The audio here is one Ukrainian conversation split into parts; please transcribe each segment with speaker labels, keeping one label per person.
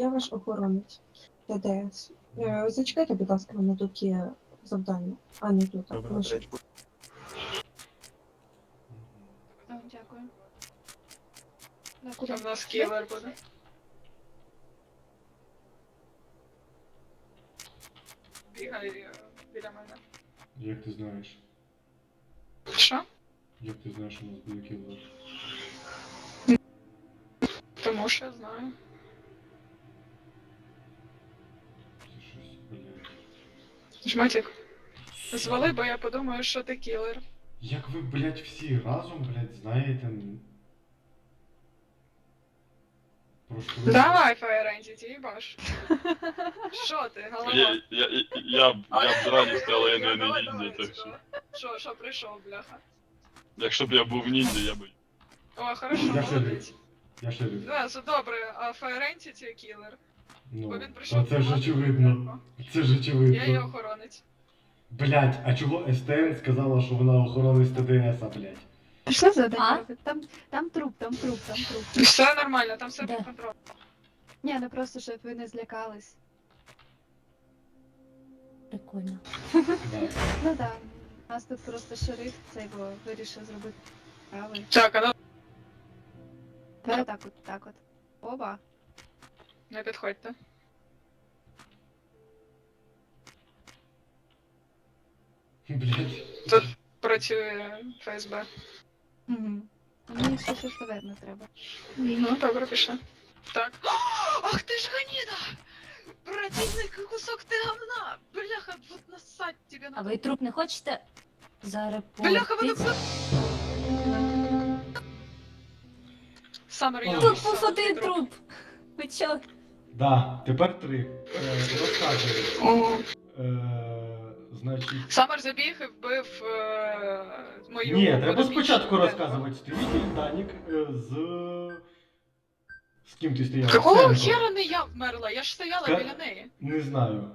Speaker 1: я ваш охоронець ТДС. Зачекайте, будь ласка, мене тут є завдання, а не тут.
Speaker 2: Добре,
Speaker 1: Лише.
Speaker 3: Дякую.
Speaker 4: Куди в нас кілер буде? Бігай біля мене.
Speaker 5: Як ти знаєш?
Speaker 4: Що?
Speaker 5: Як ти знаєш, що у нас буде кілер?
Speaker 4: Тому що я знаю.
Speaker 5: Це щось, блядь.
Speaker 4: Жматик, звали, бо я подумаю, що ти кілер.
Speaker 5: Як ви, блядь, всі разом, блядь, знаєте... Про що ви-
Speaker 4: Давай, Fire Entity, їбаш. Що ти, голова?
Speaker 6: Я б з радістю, але я не
Speaker 4: Давай,
Speaker 6: ніндзя,
Speaker 4: давай,
Speaker 6: так що.
Speaker 4: Що прийшов, бляха?
Speaker 6: Якщо б я був ніндзя, я би.
Speaker 4: О, хорошо,
Speaker 5: Я шериф.
Speaker 4: молодець.
Speaker 5: Я шериф.
Speaker 4: Да, це добре, а Fire Entity кілер.
Speaker 5: Ну,
Speaker 4: Бо він
Speaker 5: та
Speaker 4: прийшов
Speaker 5: це ж
Speaker 4: помагати
Speaker 5: очевидно.
Speaker 4: Бляха.
Speaker 5: Це ж
Speaker 4: Я її
Speaker 5: очевидно.
Speaker 4: охоронець.
Speaker 5: Блядь, а чого СТН сказала, що вона охоронець ТДС, блядь?
Speaker 3: Що завдання
Speaker 7: А?
Speaker 3: робить? Там труп.
Speaker 4: Все нормально, там все
Speaker 7: Де?
Speaker 4: під контролем.
Speaker 3: Ні, ну просто, щоб ви не злякались.
Speaker 7: Прикольно.
Speaker 5: Да.
Speaker 3: Ну да, у нас тут просто шериф цей бо вирішив зробити справи.
Speaker 4: Так, а ну
Speaker 3: Тепер так от. Оба.
Speaker 4: не підходьте.
Speaker 5: Блядь.
Speaker 4: Тут працює ФСБ.
Speaker 3: Угу. Мені ще щось таверну треба.
Speaker 4: Ну, добре, пішли. Так. Ах ти ж ганіда! Противний кусок ти говна! Бляха, вот насать тебе
Speaker 7: А
Speaker 4: на...
Speaker 7: ви труп не хочете
Speaker 4: Бляха, воно...
Speaker 7: зарепортити?
Speaker 4: Самер, я
Speaker 5: Тут
Speaker 7: Тут
Speaker 4: написала
Speaker 7: був один
Speaker 4: твій
Speaker 7: труп. Ви чо?
Speaker 5: Да, тепер 3. Розказуй.
Speaker 4: О.
Speaker 5: Значить...
Speaker 4: Самер забіг і вбив мою...
Speaker 5: Ні, треба
Speaker 4: подопічну
Speaker 5: спочатку
Speaker 4: Денко.
Speaker 5: розказувати. Стоїть Данік з... З ким ти стояв?
Speaker 4: Какого
Speaker 5: Стенко.
Speaker 4: хера не я вмерла? Я ж стояла
Speaker 5: Ка-
Speaker 4: біля неї.
Speaker 5: Не знаю.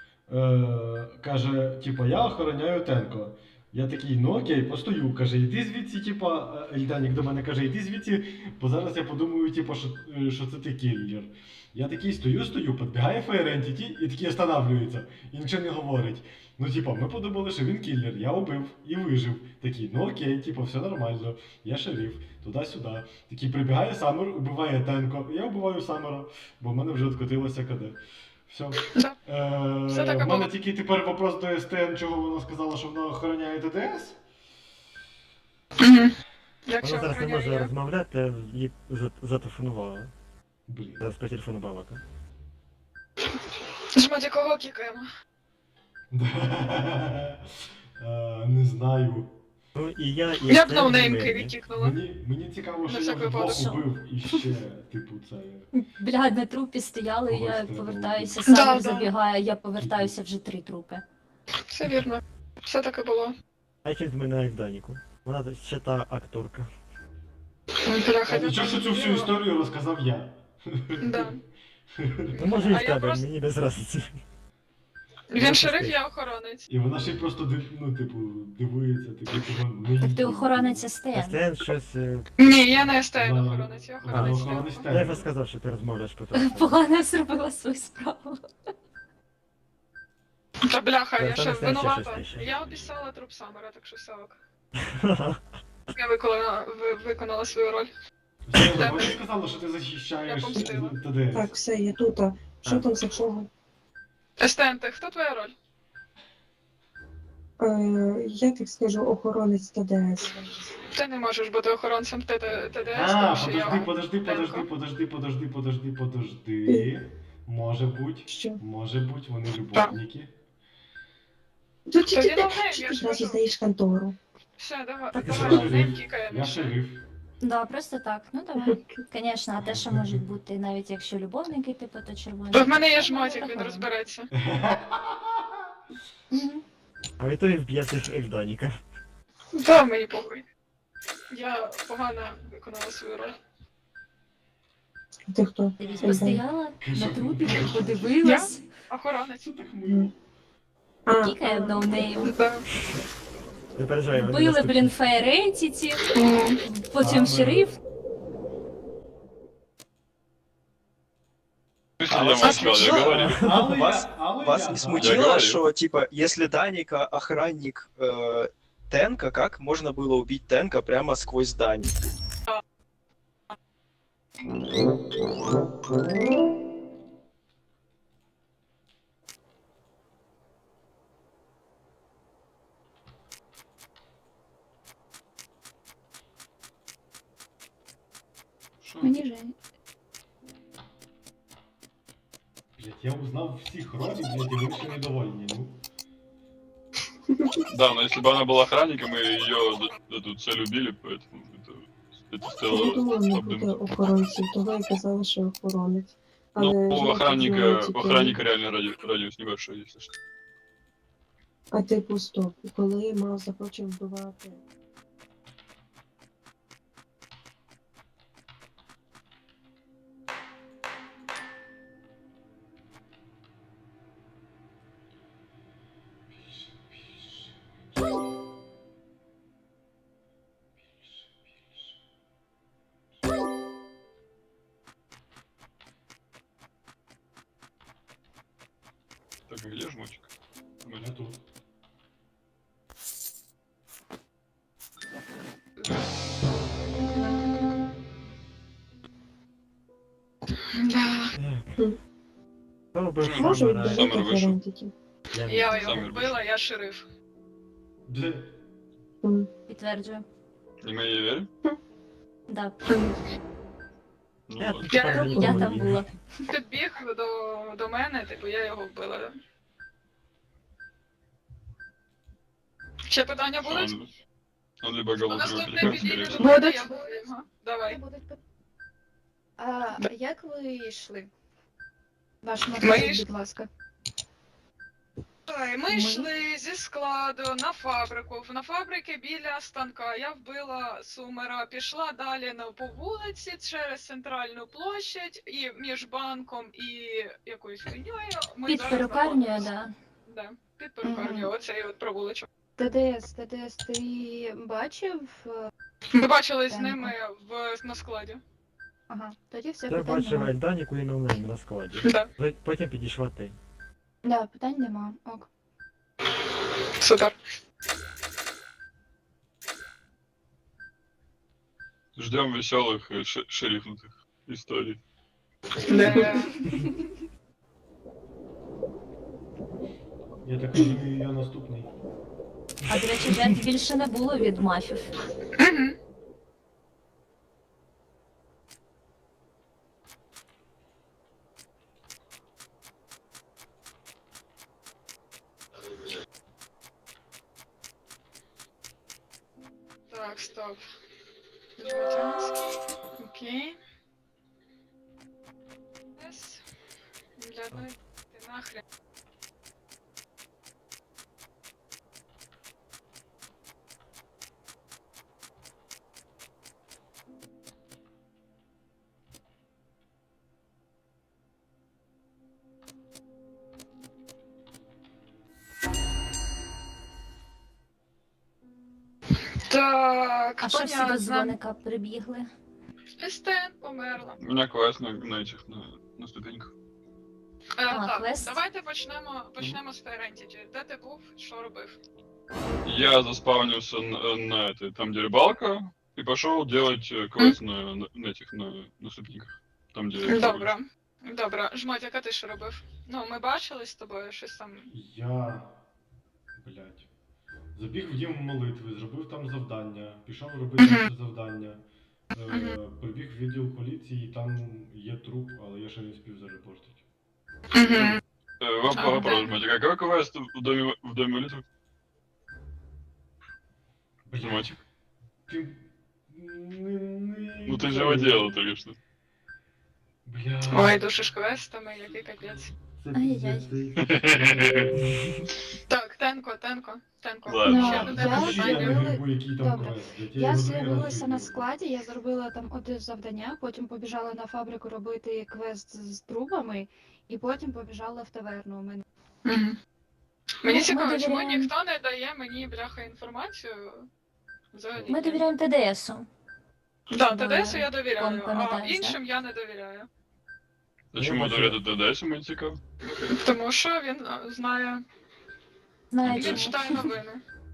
Speaker 5: Каже, типа, я охороняю Тенко. Я такий, ну окей, постою. Каже, йди звідси, типа, Ельданік до мене каже, йди звідси, бо зараз я подумаю, типа, що це ти кіллер. Я такий стою, підбігає Fire Entity і такий останавлюється. І нічого не говорить. Ну, типа, ми подумали, що він кіллер, я убив і вижив. Такий, ну окей, типа, все нормально, я шериф, туди-сюди. Такий прибігає Саммер, убиває Тенко. Я вбиваю Саммера, бо в мене вже відкотилося КД. Все.
Speaker 4: Да. Все так і
Speaker 5: В мене
Speaker 4: було.
Speaker 5: тільки тепер вопрос до СТН, чого вона сказала, що вона охороняє ТДС?
Speaker 4: Угу. Як
Speaker 2: Вона
Speaker 4: ще
Speaker 2: зараз не може
Speaker 4: охороняє?
Speaker 2: розмовляти, їй зателефонувала.
Speaker 5: Блін.
Speaker 2: Зараз по телефону балака.
Speaker 4: Жмоті, кого кікаємо?
Speaker 5: Не знаю.
Speaker 2: Ну і я, і
Speaker 4: Я б
Speaker 2: Стен, і
Speaker 4: ноунеймки
Speaker 2: Мері.
Speaker 4: відкікнула.
Speaker 5: Мені цікаво, що
Speaker 4: На
Speaker 5: я
Speaker 4: всяк
Speaker 5: вдвох
Speaker 4: випадок.
Speaker 5: убив і ще, типу, це...
Speaker 7: Бля, на трупі стояли,
Speaker 5: Когось
Speaker 7: я
Speaker 5: треба
Speaker 7: повертаюся,
Speaker 5: було.
Speaker 7: сам
Speaker 4: Да.
Speaker 7: забігає, я повертаюся вже 3 трупи.
Speaker 4: Все вірно. Все так і було.
Speaker 2: А чим змінає Даніку? Вона ще та акторка.
Speaker 4: Бляха,
Speaker 5: А нічого, що цю всю історію розказав я.
Speaker 4: Да.
Speaker 2: Ну може і
Speaker 4: А
Speaker 2: в
Speaker 4: я
Speaker 2: тебе,
Speaker 4: просто-
Speaker 2: мені без разниці.
Speaker 4: Він шериф, я охоронець.
Speaker 5: І вона ще й просто, ну, типу, дивується, типу, чого не
Speaker 7: Так ти
Speaker 5: їздить.
Speaker 7: охоронець
Speaker 2: А
Speaker 7: СТН.
Speaker 2: Стен щось...
Speaker 4: Ні, я не СТН
Speaker 5: Да.
Speaker 4: охоронець, я
Speaker 5: Да,
Speaker 4: охоронець.
Speaker 5: охоронець
Speaker 4: Денко.
Speaker 2: Я вже сказав, що ти розмовляєш по телефону.
Speaker 7: Погано зробила свою справу.
Speaker 4: Та бляха, я
Speaker 2: Та
Speaker 4: ще
Speaker 2: не все,
Speaker 4: винувата.
Speaker 2: ще, ще.
Speaker 4: Я обіцяла труп Самера, так що все ок. Я виконала свою роль.
Speaker 5: Все, вона сказала, що ти захищаєш
Speaker 4: Я помстила.
Speaker 5: ТДС.
Speaker 1: Так, все, я тут. А що
Speaker 2: А.
Speaker 1: там за чого?
Speaker 4: СТН, ти хто твоя роль?
Speaker 1: Я так скажу, охоронець ТДС.
Speaker 4: Ти не можеш бути охоронцем ТДС,
Speaker 5: А,
Speaker 4: тому що я...
Speaker 5: подожди. Може бути,
Speaker 1: Що?
Speaker 5: вони любовники.
Speaker 1: Тут
Speaker 4: Тоді
Speaker 1: тільки
Speaker 4: давай,
Speaker 1: ти
Speaker 4: я ж
Speaker 1: одразу
Speaker 4: кажу.
Speaker 1: здаєш контору.
Speaker 4: Все, давай,
Speaker 2: Так,
Speaker 5: Я
Speaker 4: давай,
Speaker 5: шериф.
Speaker 4: нейм кікаємо.
Speaker 5: Я шериф.
Speaker 7: Да, просто так. Ну давай. Звісно, а те, що можуть бути, навіть якщо любовники, типу, то червоні.
Speaker 4: Бо в мене є жмотик, він розбереться.
Speaker 7: Мгм.
Speaker 2: А ви то і вб'єте Ельданіка.
Speaker 4: Да, мені похуй. Я погано виконала свою роль.
Speaker 1: Ти хто?
Speaker 7: Дивись, постояла на трупі, подивилась,
Speaker 4: Охоронець.
Speaker 5: Це так мило.
Speaker 1: А,
Speaker 7: кікає в ноунейм.
Speaker 4: Да.
Speaker 2: Не переживай, вони
Speaker 7: Вбили,
Speaker 2: наступні.
Speaker 7: блін, Fire Entity,
Speaker 4: М.
Speaker 7: потім
Speaker 5: А,
Speaker 7: шериф.
Speaker 6: Слышите,
Speaker 8: А
Speaker 6: я
Speaker 8: вас
Speaker 6: молчал, я
Speaker 8: смущало?
Speaker 6: говорил.
Speaker 5: Але
Speaker 8: Вас-
Speaker 5: але
Speaker 8: Вас
Speaker 5: я,
Speaker 8: не
Speaker 5: да.
Speaker 8: смутило,
Speaker 6: говорю.
Speaker 8: что, типа, если Даника охранник Тенка, как можно было убить Тенка прямо сквозь здание?
Speaker 6: Шо?
Speaker 3: Мені жаль.
Speaker 5: Блядь, я узнав всіх ролі, блядь, і вони ще недовольні, ну.
Speaker 6: Да, но если бы она была охранником, и ее эту цель убили, поэтому это
Speaker 1: Не
Speaker 6: стоило
Speaker 1: було не буде
Speaker 6: обдумать.
Speaker 1: охоронців, того і казали, що охоронець. Але
Speaker 6: Ну, у
Speaker 1: жінки
Speaker 6: охранника,
Speaker 1: вживали
Speaker 6: у
Speaker 1: тільки-
Speaker 6: охранника реально радиус небольшой, если что.
Speaker 1: А типу стоп, коли Мав захоче вбивати.
Speaker 6: Так, где жмотик?
Speaker 5: Я тут.
Speaker 4: Да.
Speaker 2: Хто робив
Speaker 1: Можу
Speaker 2: камера?
Speaker 6: Сам
Speaker 1: віддалити
Speaker 6: вийшов.
Speaker 1: ферентики.
Speaker 4: Я
Speaker 6: Сам
Speaker 4: його вбила, я шериф.
Speaker 5: Де?
Speaker 7: Підтверджую.
Speaker 6: И мы ей верим?
Speaker 7: Да.
Speaker 6: Ну,
Speaker 2: Я
Speaker 6: ладно.
Speaker 2: тут тепер
Speaker 4: Я
Speaker 2: нікому
Speaker 7: там
Speaker 2: не
Speaker 7: була.
Speaker 2: вірю.
Speaker 4: Підбіг до мене, типу, я його вбила, да? Ще питання будуть?
Speaker 6: Он либо голубой,
Speaker 4: Наступне
Speaker 6: либо
Speaker 4: підійде
Speaker 6: скорее
Speaker 4: до мене,
Speaker 3: Будуть.
Speaker 4: я вбила його. Давай.
Speaker 3: А як ви йшли? Ваш
Speaker 4: Ми
Speaker 3: магазин,
Speaker 4: йш-
Speaker 3: будь ласка.
Speaker 4: Ми йшли зі складу на фабрику. На фабрики біля станка я вбила Сумера, пішла далі по вулиці через центральну площадь і між банком і якоюсь хуйньою. Ми
Speaker 7: Під
Speaker 4: зараз
Speaker 7: перукарнею,
Speaker 4: знаходимося.
Speaker 7: да.
Speaker 4: Да, під перукарнею, оцей от провулочок.
Speaker 3: ТДС, ти бачив?
Speaker 4: Ми бачили з
Speaker 3: Тенко.
Speaker 4: ними на складі.
Speaker 3: Ага, тоді все
Speaker 2: Я
Speaker 3: питань
Speaker 2: бачив
Speaker 3: нема.
Speaker 2: Ельданіку і Ноунейм на складі.
Speaker 4: Да.
Speaker 2: Потім підійшла ти.
Speaker 3: Да, питань нема. Ок.
Speaker 4: Супер.
Speaker 6: Ждем веселых шерифнутых историй.
Speaker 4: Да.
Speaker 5: Я так розумію, я наступний.
Speaker 7: А до речі, жертв більше не було від мафів.
Speaker 4: Мгм. Так, стоп. Жмотянський. Окей. Yes. Для одної ти нахрен. Так,
Speaker 7: А що всі до
Speaker 4: понятно.
Speaker 7: дзвоника прибігли?
Speaker 4: Естен померла.
Speaker 6: У меня квест на этих, на ступеньках.
Speaker 4: Так,
Speaker 7: квест?
Speaker 4: давайте почнемо з Ферентіті. Де ти був, що робив?
Speaker 6: Я заспавнился на этой, там где рыбалка, и пошел делать квест на этих, на ступеньках. Там где...
Speaker 4: Добре. Добре. Жмотик, а ти що робив? Ну, ми бачились з тобою, щось там.
Speaker 5: Я. Блять. Забіг в дім молитви, зробив там завдання, пішов робити інше завдання. Прибіг в відділ поліції, там є труп, але я ще не спів зарепортити.
Speaker 4: Угу.
Speaker 6: Вопрос, Матик, а какой квест в доме молитвы?
Speaker 5: Блять.
Speaker 6: Матик?
Speaker 5: Ти...
Speaker 6: Ну ты же его делал только что.
Speaker 5: Бля.
Speaker 4: Ой, душиш квестами, який капець.
Speaker 5: Це
Speaker 7: Ай-яй.
Speaker 5: пиздець.
Speaker 4: Так, Тенко.
Speaker 6: Ладно.
Speaker 4: Ще до
Speaker 3: Я
Speaker 4: тебе
Speaker 5: Скажи, я не
Speaker 4: питання.
Speaker 5: грибу, який там
Speaker 3: Добре.
Speaker 5: квест. блядь,
Speaker 3: Я
Speaker 5: його другий раз
Speaker 3: з'явилася на
Speaker 5: видів.
Speaker 3: складі, я зробила там одне завдання, потім побіжала на фабрику робити квест з трубами, і потім побіжала в таверну. У мене
Speaker 4: Мгм. Мені
Speaker 7: Ми
Speaker 4: цікаво, чому
Speaker 7: довіряємо-
Speaker 4: ніхто не дає мені, бляха, інформацію. Взагалі.
Speaker 7: Ми довіряємо ТДСу.
Speaker 4: Да,
Speaker 7: Щоб,
Speaker 4: ТДСу я довіряю, а
Speaker 7: пам'ятаєш,
Speaker 4: іншим я не довіряю.
Speaker 6: Чому
Speaker 2: бачу-
Speaker 6: довіряти ДДС, мені цікаво?
Speaker 4: Тому що він знає,
Speaker 7: Знаю
Speaker 4: він
Speaker 7: чому.
Speaker 4: читає новини.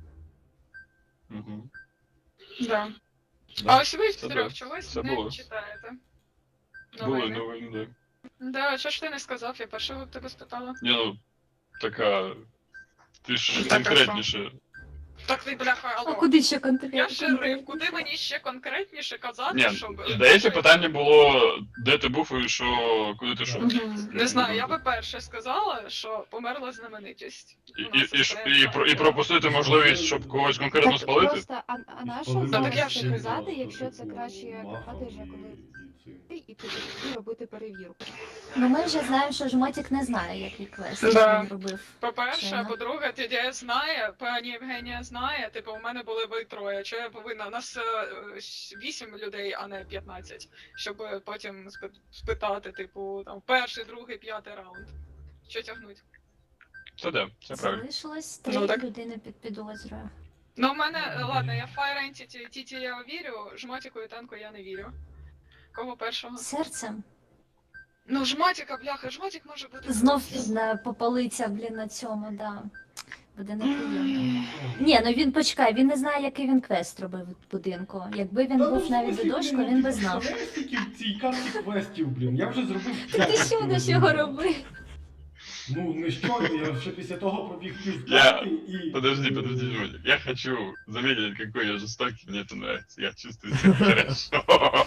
Speaker 6: Угу.
Speaker 4: Да.
Speaker 2: Да.
Speaker 4: А ось ви
Speaker 6: Це
Speaker 4: втрьох
Speaker 6: да.
Speaker 4: чогось
Speaker 6: Це
Speaker 4: не
Speaker 6: було.
Speaker 4: читаєте.
Speaker 6: Були
Speaker 4: Новини.
Speaker 6: новини, да.
Speaker 4: Да, чого ж ти не сказав, я першого тебе спитала.
Speaker 6: Ні, ну, така... Ти ж
Speaker 4: Так, а
Speaker 6: конкретніше.
Speaker 4: Так ти, бляха,
Speaker 7: А
Speaker 4: алло.
Speaker 7: куди ще
Speaker 4: Я
Speaker 7: конкретно?
Speaker 4: шериф, куди мені ще конкретніше казати,
Speaker 6: Ні,
Speaker 4: щоб...
Speaker 6: здається, питання було, де ти був і що, куди ти йшов.
Speaker 4: Не знаю, я би перше сказала, що померла знаменитість.
Speaker 6: І пропустити можливість, щоб когось конкретно
Speaker 3: Так
Speaker 6: спалити?
Speaker 3: просто, а на що
Speaker 5: Спалити
Speaker 4: Ну, так я
Speaker 3: зараз
Speaker 4: ж
Speaker 3: це
Speaker 4: не
Speaker 3: казати, якщо це краще казати вже коли і піти робити перевірку.
Speaker 7: Ну ми вже знаємо, що жмотик не знає, який квест
Speaker 4: Да.
Speaker 7: він робив.
Speaker 4: По-перше,
Speaker 7: Чайно.
Speaker 4: по-друге, TDS знає, пані Євгенія знає, типу, у мене були ви троє. Що я повинна? У нас 8 людей, а не 15. Щоб потім спитати, типу, там, перший, другий, п'ятий раунд. Що тягнуть?
Speaker 6: Це да, це правильно.
Speaker 7: Залишилось
Speaker 4: Ну,
Speaker 7: 3
Speaker 4: так.
Speaker 7: людини під підозрою.
Speaker 4: Ну, у мене, ладно, я Fire Entity, Тіті я вірю, жмотіку і танку я не вірю. Кого першого?
Speaker 7: Серцем.
Speaker 4: Ну, жмотіка, бляха, жмотік може бути.
Speaker 7: Знов попалиться, блін, на цьому, да. Буде неприємно. Ні, ну він почекай, він не знає, який він квест робив в будинку. Якби він був навіть додошку, він би знав.
Speaker 5: Скільки в цій карті квестів, блін, я вже зробив
Speaker 7: Ти
Speaker 5: 5.
Speaker 7: що до чого робив?
Speaker 5: Ну, не щойно, я ще після того пробіг пів
Speaker 6: Я-
Speaker 5: карти і...
Speaker 6: Подожди, Жулик. Я хочу заметить, какой я жестокий, мне это нравится. Я чувствую себя хорошо.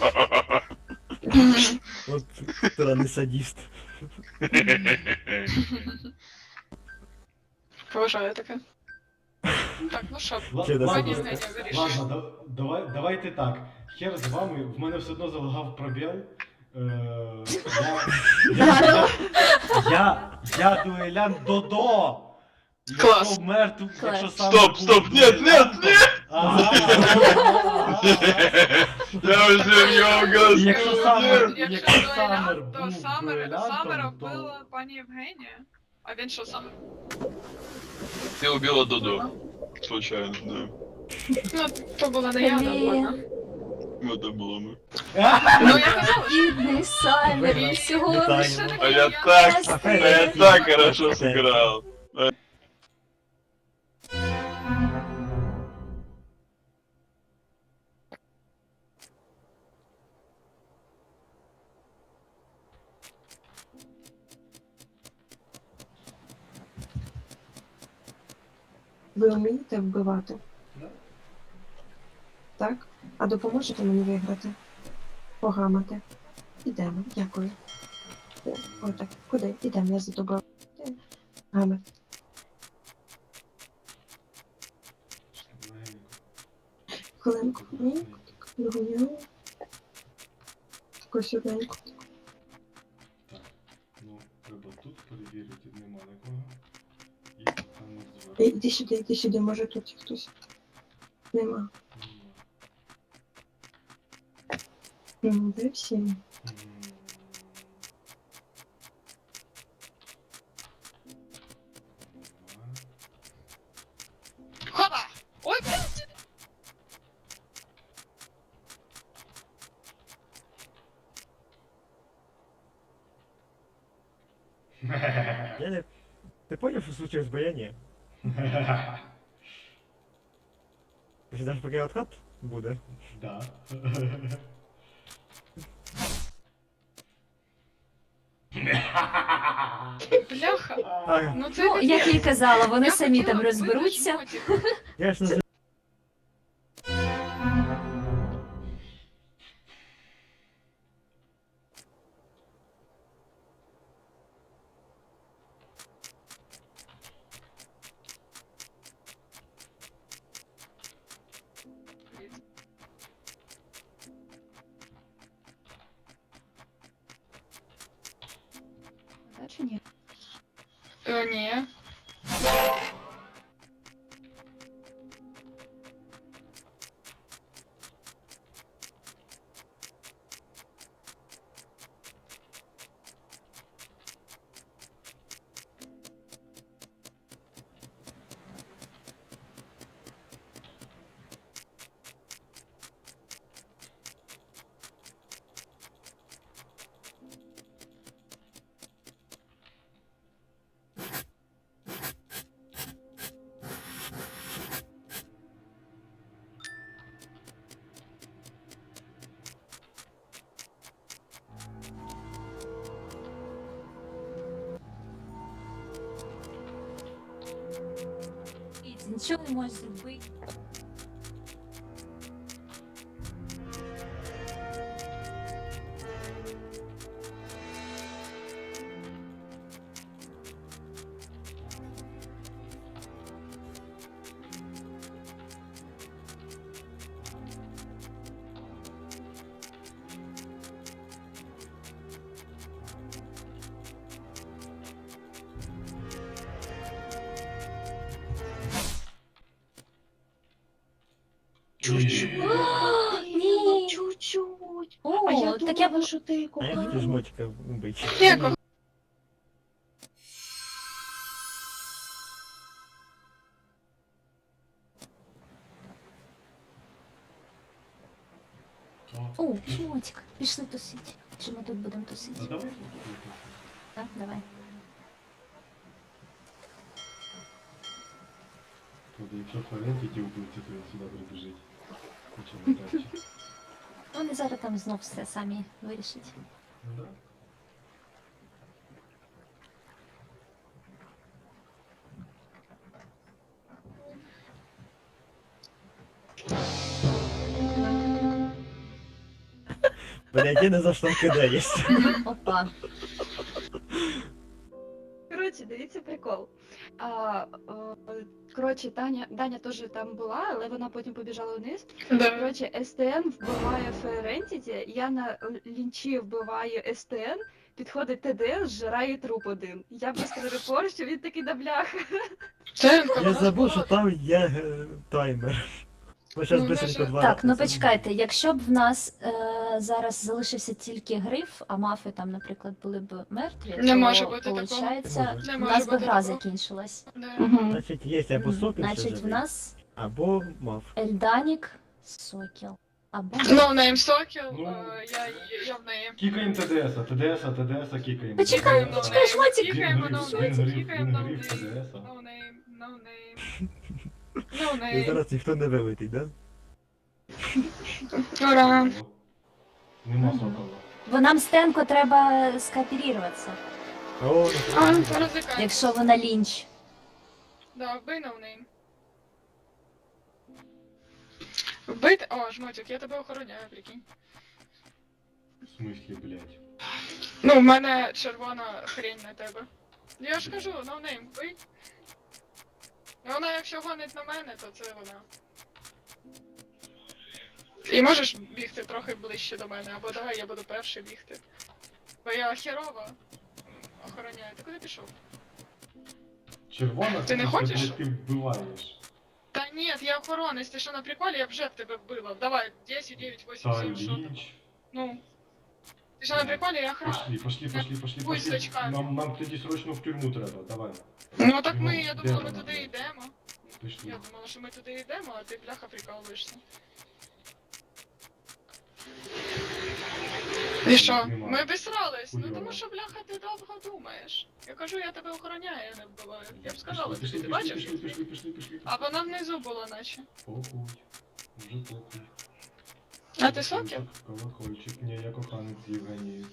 Speaker 2: От странний садіст.
Speaker 4: Поважаю таке. Так, ну що,
Speaker 2: Чи до
Speaker 4: пані
Speaker 2: садіста?
Speaker 4: Євгенія вирішує.
Speaker 5: Ладно, давайте так. Хер з вами, в мене все одно залагав пробіл. Я дуелян Додо!
Speaker 4: Клас.
Speaker 5: Якщо мертв,
Speaker 7: Клас.
Speaker 5: якщо сам...
Speaker 6: Стоп, нет! Я уже в него
Speaker 5: Якщо
Speaker 6: голосую.
Speaker 5: Якщо Саммер
Speaker 4: дуелян, то
Speaker 5: був дуелянтом,
Speaker 4: Саммера
Speaker 5: то-
Speaker 4: вбила пані Євгенія. А він що сам?
Speaker 6: Ты убила Додо. Случайно, да.
Speaker 4: Ну, то була не я,
Speaker 7: Блін.
Speaker 4: ладно.
Speaker 6: Это было мы.
Speaker 4: Ну, я казала, що
Speaker 7: Бідний Саймер, він всього
Speaker 2: Вітаю.
Speaker 7: лише
Speaker 6: А я так хорошо сыграл.
Speaker 1: Ви вмієте вбивати?
Speaker 5: Да.
Speaker 1: Так? А допоможете мені виграти? Погамати. Ідемо, дякую. Отак, куди? Ідемо, я за тобою. Гамер. Хвилинку, хвилинку, нагоняю. Таку сюденьку.
Speaker 5: Так, ну, треба тут перевірити, нема нікого. І там зверху.
Speaker 1: Іди сюди, може тут хтось. Нема. Ну, де всі?
Speaker 4: Хоба! Ой, блядь!
Speaker 2: Я не... Ти поняв, що случилось, бо я ні. Ти ж поки откат буде.
Speaker 5: Да.
Speaker 4: Бляха!
Speaker 2: А,
Speaker 4: Ну це
Speaker 7: Ну, як я й казала, вони
Speaker 4: Я
Speaker 7: самі
Speaker 4: хотіла
Speaker 7: там розберуться.
Speaker 4: вбити жмотіка.
Speaker 2: я ж не
Speaker 3: Так чи ні?
Speaker 4: Ні.
Speaker 7: Нічого не можеш зробити. Ні.
Speaker 1: Чуть-чуть.
Speaker 7: О,
Speaker 1: А я
Speaker 7: так я
Speaker 1: думала, що ти
Speaker 2: А я хотів
Speaker 1: кохана.
Speaker 2: жмотика вбити.
Speaker 4: Ні,
Speaker 7: О, Мотик, пішли тусить. Чи ми тут будемо тусити?
Speaker 5: А давай.
Speaker 7: Так, давай.
Speaker 5: Тобто, якщо Флоренті ті вбивці, то він сюди прибіжить. Нічого не краще.
Speaker 7: Ну, вони зараз там знов все самі вирішать.
Speaker 5: Ну да.
Speaker 2: Блядь, я не за що кидаєш.
Speaker 7: Опа.
Speaker 3: Коротше, дивіться прикол. Коротше, Даня теж там була, але вона потім побіжала вниз.
Speaker 4: Да.
Speaker 3: Коротше, СТН вбиває Ферентіті, я на лінчі вбиваю СТН, підходить ТДС, зжирає труп один. Я быстро репорчу, він такий да бляха.
Speaker 4: Тенко,
Speaker 2: Я забув, що там є таймер. Ми зараз
Speaker 4: Ну,
Speaker 2: бистренько
Speaker 4: може-
Speaker 2: два.
Speaker 7: Так, ну
Speaker 2: рази.
Speaker 7: почекайте, якщо б в нас зараз залишився тільки гриф, а мафи там, наприклад, були б мертві,
Speaker 4: Не
Speaker 7: то,
Speaker 4: може бути такого.
Speaker 7: получається,
Speaker 2: Не
Speaker 7: у
Speaker 4: може
Speaker 7: нас би
Speaker 4: бути
Speaker 7: гра
Speaker 4: такого.
Speaker 7: закінчилась.
Speaker 4: Да.
Speaker 2: Значить, є або сокіл, що
Speaker 7: Значить, в
Speaker 2: живий,
Speaker 7: нас
Speaker 2: або мав.
Speaker 7: Ельданік, Сокіл. Або
Speaker 4: Ноунейм Сокіл,
Speaker 5: Ну.
Speaker 4: я в неї.
Speaker 5: Кікаємо ТДСа кікаємо.
Speaker 7: Почекай,
Speaker 5: TDS-а.
Speaker 7: почекай, Шмотик.
Speaker 4: Кікаємо
Speaker 5: Він
Speaker 4: ноунейм,
Speaker 5: гриф,
Speaker 4: кікаємо
Speaker 5: він
Speaker 4: ноунейм.
Speaker 5: гриф ТДС-а.
Speaker 4: Ноунейм, ноунейм.
Speaker 2: І
Speaker 4: Ноунейм.
Speaker 2: зараз ніхто не вилетить, да?
Speaker 4: Ура.
Speaker 5: Нема
Speaker 7: Мгм.
Speaker 5: сокола.
Speaker 7: бо нам Стенко треба скооперуватися,
Speaker 2: О,
Speaker 4: А,
Speaker 2: ну,
Speaker 4: розвикай.
Speaker 7: якщо вона лінч.
Speaker 4: Да, вбий ноунейм. Вбити? О, жмотик, я тебе охороняю, прикинь.
Speaker 5: В смислі, блядь.
Speaker 4: Ну, в мене червона хрень на тебе. Я ж кажу, ноунейм, вбий. І вона, якщо гонить на мене, то це вона. І можеш бігти трохи ближче до мене, або давай я буду перший бігти. Бо я херова охороняю. Ти куди пішов?
Speaker 5: Червона,
Speaker 4: Ти не
Speaker 5: це,
Speaker 4: хочеш?
Speaker 5: блядь, ти вбиваєш.
Speaker 4: Та ні, я охоронець, ти що на приколі, я вже б тебе вбила. Давай, 10, 9, 8,
Speaker 5: Та
Speaker 4: 7, що там.
Speaker 5: ліч.
Speaker 4: Ну. Ти що на приколі, я охоронець.
Speaker 5: Пошли.
Speaker 4: Будь з очками.
Speaker 5: Нам тоді срочно в тюрму треба, давай.
Speaker 4: Ну так ми,
Speaker 5: Ну,
Speaker 4: я
Speaker 5: де
Speaker 4: думала, ми
Speaker 5: вона,
Speaker 4: туди
Speaker 5: блядь?
Speaker 4: йдемо.
Speaker 5: Пішли.
Speaker 4: Я думала, що ми туди йдемо, а ти бляха прикалуєшся. І що?
Speaker 5: Нема.
Speaker 4: Ми обісрались. Ну
Speaker 5: Хуйово.
Speaker 4: тому що бляха ти довго думаєш. Я кажу, я тебе охороняю, я не вбиваю. Я б сказала,
Speaker 5: Пішли,
Speaker 4: тобі, ти
Speaker 5: пішли,
Speaker 4: бачиш?
Speaker 5: пішли.
Speaker 4: А вона внизу була наче.
Speaker 5: Похуй. Уже похуй.
Speaker 4: А ти сокіл?
Speaker 5: Колокольчик. Ні, я коханець Євгенії.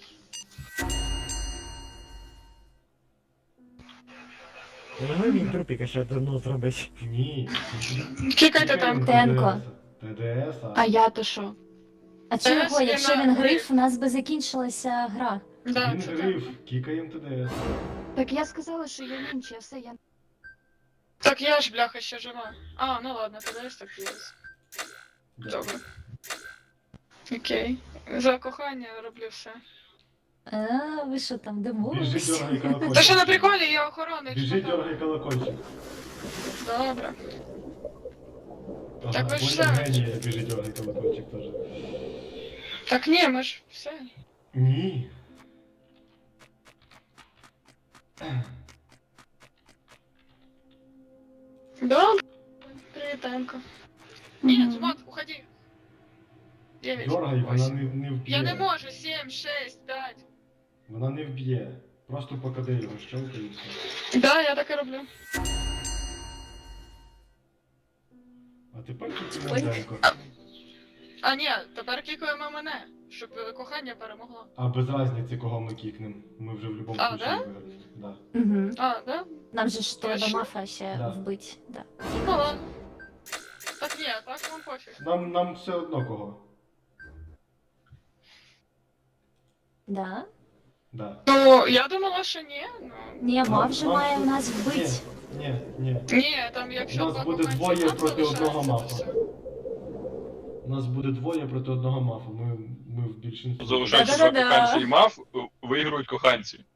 Speaker 2: я не можу він трупіка ще давно зробити.
Speaker 5: Ні.
Speaker 4: Кікайте там.
Speaker 7: Тенко.
Speaker 5: ТДС-а.
Speaker 3: А я то що?
Speaker 7: А
Speaker 4: Це
Speaker 7: чого?
Speaker 4: ж
Speaker 7: Якщо
Speaker 4: вона
Speaker 7: він
Speaker 4: гриф.
Speaker 7: гриф, у нас би закінчилася гра.
Speaker 4: Да,
Speaker 5: Він
Speaker 4: це
Speaker 5: гриф,
Speaker 4: так.
Speaker 5: кікаємо ТДС.
Speaker 3: Так я сказала, що я лінч, я все, я...
Speaker 4: Так я ж бляха ще жива. А, ну ладно, тоді ось так є. Добре. Окей. За кохання роблю все.
Speaker 7: А, ви що там,
Speaker 5: Біжи,
Speaker 7: домовились?
Speaker 5: дергай колокольчик.
Speaker 4: Та що на приколі, я охоронець.
Speaker 5: Біжи,
Speaker 4: що там?
Speaker 5: дергай колокольчик.
Speaker 4: Добре.
Speaker 5: Ага,
Speaker 4: Так ви ж
Speaker 5: понял,
Speaker 4: знаєте.
Speaker 5: Євгенія, біжи, дергай колокольчик теж.
Speaker 4: Так ні, ми ж все.
Speaker 5: Ні.
Speaker 4: Добре. Привіт, Танко. Ні, Жмот, уходи. 9.
Speaker 5: Дергай, вона не вб'є.
Speaker 4: Я не можу, 7, 6, 5.
Speaker 5: Вона не вб'є. Просто покади його щелкай і все.
Speaker 4: Да, я так і роблю.
Speaker 5: А тепер тільки
Speaker 7: Ой.
Speaker 5: Менденко.
Speaker 4: А ні, тепер кікуємо мене, щоб кохання перемогло.
Speaker 5: А без разниці, кого ми кікнем. Ми вже в будь-якому
Speaker 4: А,
Speaker 5: случаю
Speaker 4: да?
Speaker 5: виграємо. Да.
Speaker 7: Угу.
Speaker 4: А, да?
Speaker 7: Нам же ж треба
Speaker 4: Точно?
Speaker 7: мафа ще
Speaker 5: Да.
Speaker 7: вбить. Да.
Speaker 4: Ну ладно. Так ні, так вам пофіг.
Speaker 5: Нам все одно кого.
Speaker 7: Да?
Speaker 5: Да.
Speaker 4: Ну, я думала, що ні. Ну.
Speaker 7: Ні,
Speaker 5: Нам-
Speaker 7: мав же
Speaker 5: нам
Speaker 7: має
Speaker 5: тут-
Speaker 7: нас вбить.
Speaker 5: Ні.
Speaker 4: Ні, там якщо
Speaker 5: У нас
Speaker 4: два
Speaker 5: буде
Speaker 4: коханці
Speaker 5: двоє
Speaker 4: там
Speaker 5: проти одного
Speaker 4: залишається, то
Speaker 5: мафа.
Speaker 4: все.
Speaker 5: У нас буде двоє проти одного мафа. Ми в більшинстві.
Speaker 6: Залишаються
Speaker 7: Да-да-да-да.
Speaker 6: два коханці і мав, виграють коханці.